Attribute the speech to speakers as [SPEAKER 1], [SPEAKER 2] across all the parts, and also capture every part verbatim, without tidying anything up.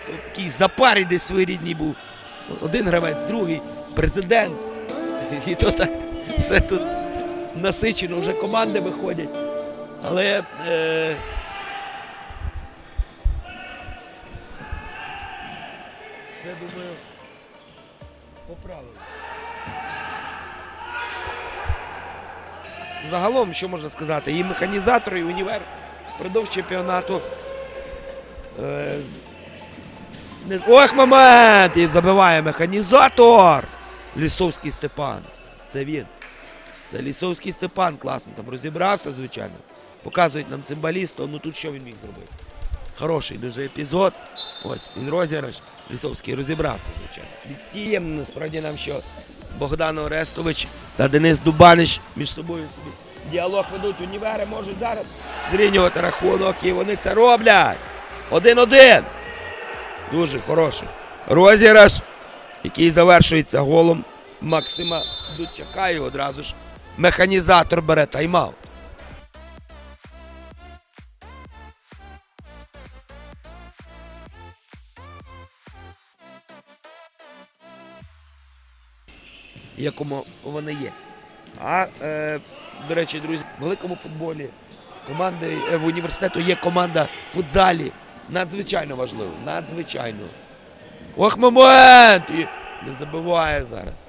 [SPEAKER 1] То такий запар десь своєрідний був. Один гравець, другий, президент. І то так все тут насичено, вже команди виходять. Але е... все, думаю, поправили. Загалом, що можна сказати, і механізатор, і універ впродовж чемпіонату. Е... Не... Ох, момент! І забиває механізатор! Лісовський Степан. Це він. Це Лісовський Степан, класно там розібрався, звичайно. Показують нам цимбаліста, ну тут що він міг зробити? Хороший дуже епізод. Ось, він розіграш. Лісовський розібрався, звичайно. Відстієм, насправді нам, що Богдан Орестович та Денис Дубанич між собою собі діалог ведуть. Універи можуть зараз зрівнювати рахунок, і вони це роблять. Один-один. Дуже хороший розіграш, який завершується голом Максима Дудчака, і одразу ж механізатор бере тайм-аут. Якому вони є. А, е, до речі, друзі, в великому футболі команди е, в університету є команда в футзалі. Надзвичайно важливо, надзвичайно. Ох, момент! І не забиває зараз.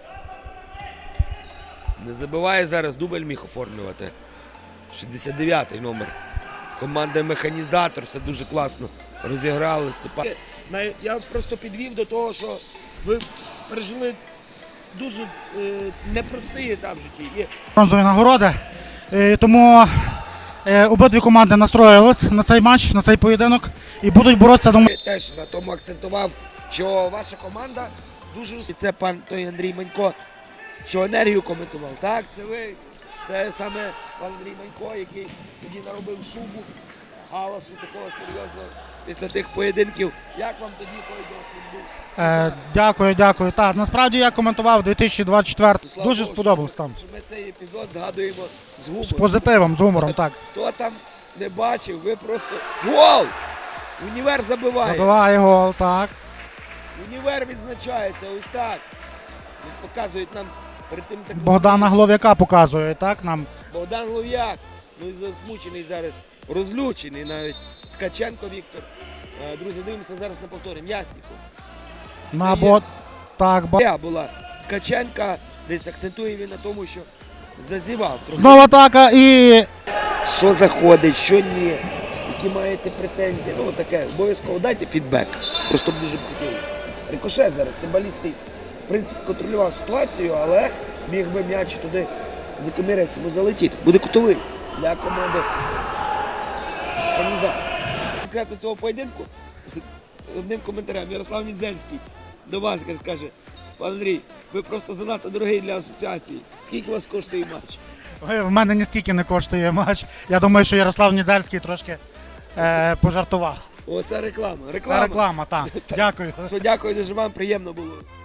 [SPEAKER 1] Не забиває зараз, дубль міг оформлювати. шістдесят дев'ятий номер. Команда механізатор, все дуже класно розіграли. Степан. Я просто підвів до того, що ви пережили дуже е, непростий етап в житті.
[SPEAKER 2] Бронзові нагороди. Е, тому е, обидві команди настроїлись на цей матч, на цей поєдинок і будуть боротися.
[SPEAKER 1] Я теж на тому акцентував, що ваша команда дуже успішна. І це пан той Андрій Манько, що енергію коментував. Так, це ви. Це саме пан Андрій Манько, який тоді наробив шубу, галасу такого серйозного після тих поєдинків. Як вам тоді той досвід був?
[SPEAKER 2] Е, дякую, дякую. Так, насправді я коментував дві тисячі двадцять четвертий.
[SPEAKER 1] Слава
[SPEAKER 2] Дуже
[SPEAKER 1] Богу,
[SPEAKER 2] сподобався там.
[SPEAKER 1] що Ми цей епізод згадуємо з гумором.
[SPEAKER 2] З позитивом, з гумором, так.
[SPEAKER 1] Хто там не бачив, ви просто... Гол! Універ забиває.
[SPEAKER 2] Забиває гол, так.
[SPEAKER 1] Універ відзначається, ось так. Він показують нам перед тим так.
[SPEAKER 2] Богдана Глов'яка показує, так, нам.
[SPEAKER 1] Богдан Глов'як. Ну і засмучений зараз, розлючений навіть. Ткаченко Віктор. Е, Друзі, дивимося зараз на повторі. М'ясніков.
[SPEAKER 2] На бо... Так, ба...
[SPEAKER 1] Я була Ткаченка, десь акцентує він на тому, що зазівав трохи.
[SPEAKER 2] Знову атака і...
[SPEAKER 1] Що заходить, що ні, які маєте претензії. Ну, таке, обов'язково дайте фідбек. Просто б дуже б хотілося. Рикошет зараз, цимбалістський, в принципі, контролював ситуацію, але міг би м'яч туди за комірець йому залетіти. Буде кутовий для команди Каніза. Конкретно цього поєдинку одним коментарем Ярослав Нідзельський до вас каже: пан Андрій, ви просто занадто дорогий для асоціації. Скільки у вас коштує матч?
[SPEAKER 2] Ой, в мене ніскільки не коштує матч. Я думаю, що Ярослав Нідзельський трошки е, пожартував.
[SPEAKER 1] О, це реклама. Реклама.
[SPEAKER 2] Це реклама, так. Дякую.
[SPEAKER 1] Все, дякую, дуже вам приємно було.